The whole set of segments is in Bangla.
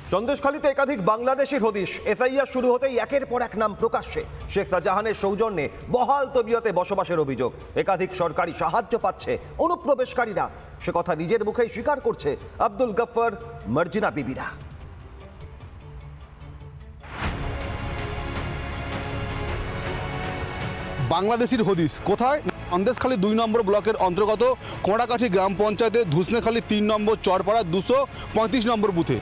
সন্দেশখালীতে একাধিক বাংলাদেশির হদিশ। এসআইআর শুরু হতেই একের পর এক নাম প্রকাশ্যে। শেখ শাহজাহানের সৌজন্যে বহাল তবিয়তে বসবাসের অভিযোগ। একাধিক সরকারি সাহায্য পাচ্ছে অনুপ্রবেশকারীরা, সে কথা নিজের মুখেই স্বীকার করছে আব্দুল গফফর, মার্জিনা বিবিরা। বাংলাদেশির হদিশ কোথায়? সন্দেশখালী 2 নম্বর ব্লকের অন্তর্গত কোঁড়াকাঠি গ্রাম পঞ্চায়েতের ধুসনেখালী 3 নম্বর চরপাড়া 235 নম্বর বুথে।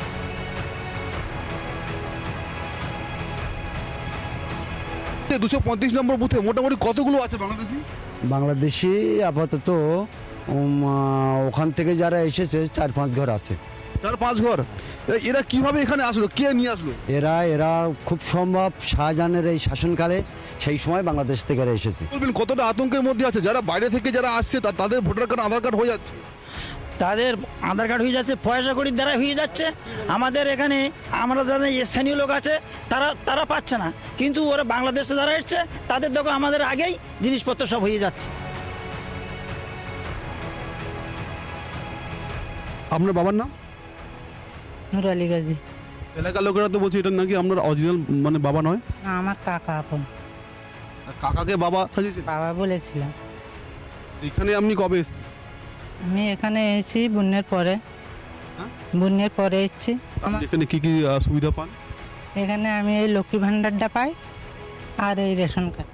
235 নম্বর বুথে মোটামুটি কতগুলো আছে বাংলাদেশি আপাতত ওখান থেকে যারা এসেছে 4-5 ঘর আছে। 4-5 ঘর। এরা কিভাবে এখানে আসলো, কে নিয়ে আসলো? এরা খুব সম্ভব শাহজাহানের এই শাসনকালে সেই সময় বাংলাদেশ থেকে এরা এসেছে। বলবেন কতটা আতঙ্কের মধ্যে আছে যারা বাইরে থেকে যারা আসছে তাদের ভোটার কার্ড আধার কার্ড হয়ে যাচ্ছে? তাদের আধার কার্ড হয়ে যাচ্ছে, পয়সা কড়ির দ্বারা হয়ে যাচ্ছে। আমাদের এখানে আমরা যারা স্থানীয় লোক আছে তারা পাচ্ছে না, কিন্তু ওরা বাংলাদেশে যারা এসছে তাদের দেখো আমাদের আগেই জিনিসপত্র সব হয়ে যাচ্ছে। আপনার বাবার নাম? নূর আলী গাজী। এলাকার লোকেরা তো বলছে এটা নাকি আপনার অরিজিনাল মানে বাবা নয়। না, আমার কাকা আপন। কাকাকে বাবা সাজিয়েছেন? বাবা বলেছিলাম। এখানে আপনি কবে এসেছেন? আমি এখানে এসেছি বন্যার পরে। হ্যাঁ? বন্যার পরে এসেছি। এখানে কি কি সুবিধা পান? এখানে আমি এই লক্ষ্মী ভাণ্ডারটা পাই আর এই রেশন কার্ড।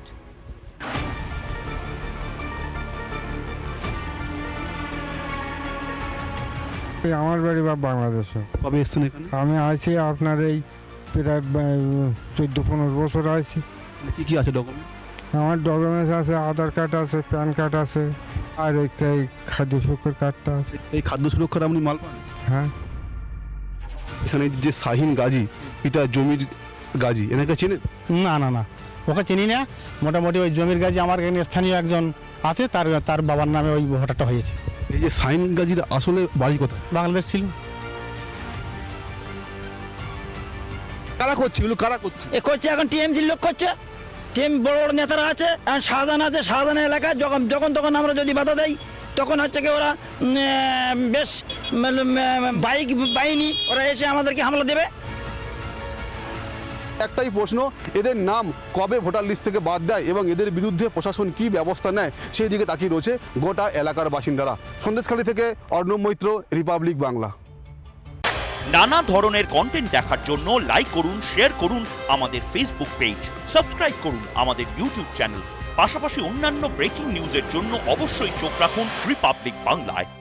আমার বাড়ি বা বাংলাদেশে। কবে এসেছেন এখানে? আমি আছি আপনার এই প্রায় 14-15 বছর আছি। কি কি আছে ডকুমেন্ট? আমার ডকুমেন্টস আছে, আধার কার্ড আছে, প্যান কার্ড আছে, আর এই খাদ্য সুরক্ষার কার্ডটা আছে। এই খাদ্য সুরক্ষার আপনি মাল পান? হ্যাঁ। এখানে যে শাহিন গাজী, এটা জমির গাজী, এনাকে চেনেন? না ওকে চিনি না। মোটামুটি ওই জমির গাজী আমার এখানে স্থানীয় একজন আছে, তার বাবার নামে ওই ভোটারটা হয়েছে। এই যে শাহিন গাজীর আসলে বাড়ি কোথায়? বাংলাদেশ ছিল। কারা করছে এগুলো, কারা করছে? এ করছে এখন টিএমসির লোক করছে, টিএম বড় বড় নেতারা আছে। এখন শাহজাহান আছে, শাহজাহানের এলাকায় যখন তখন আমরা যদি বাধা দেই তখন হচ্ছে কি ওরা বেশ বাইক বাহিনী ওরা এসে আমাদেরকে হামলা দেবে। একটাই প্রশ্ন, এদের নাম কবে ভোটার লিস্ট থেকে বাদ দেয় এবং এদের বিরুদ্ধে প্রশাসন কি ব্যবস্থা নেয় সেই দিকে তাকিয়ে রয়েছে গোটা এলাকার বাসিন্দারা। সন্দেশখালী থেকে অর্ণব মৈত্র, রিপাবলিক বাংলা। নানা ধরনের কন্টেন্ট দেখার জন্য লাইক করুন, শেয়ার করুন আমাদের ফেসবুক পেজ, সাবস্ক্রাইব করুন আমাদের ইউটিউব চ্যানেল। পাশাপাশি অন্যান্য ব্রেকিং নিউজের জন্য অবশ্যই চোখ রাখুন রিপাবলিক বাংলায়।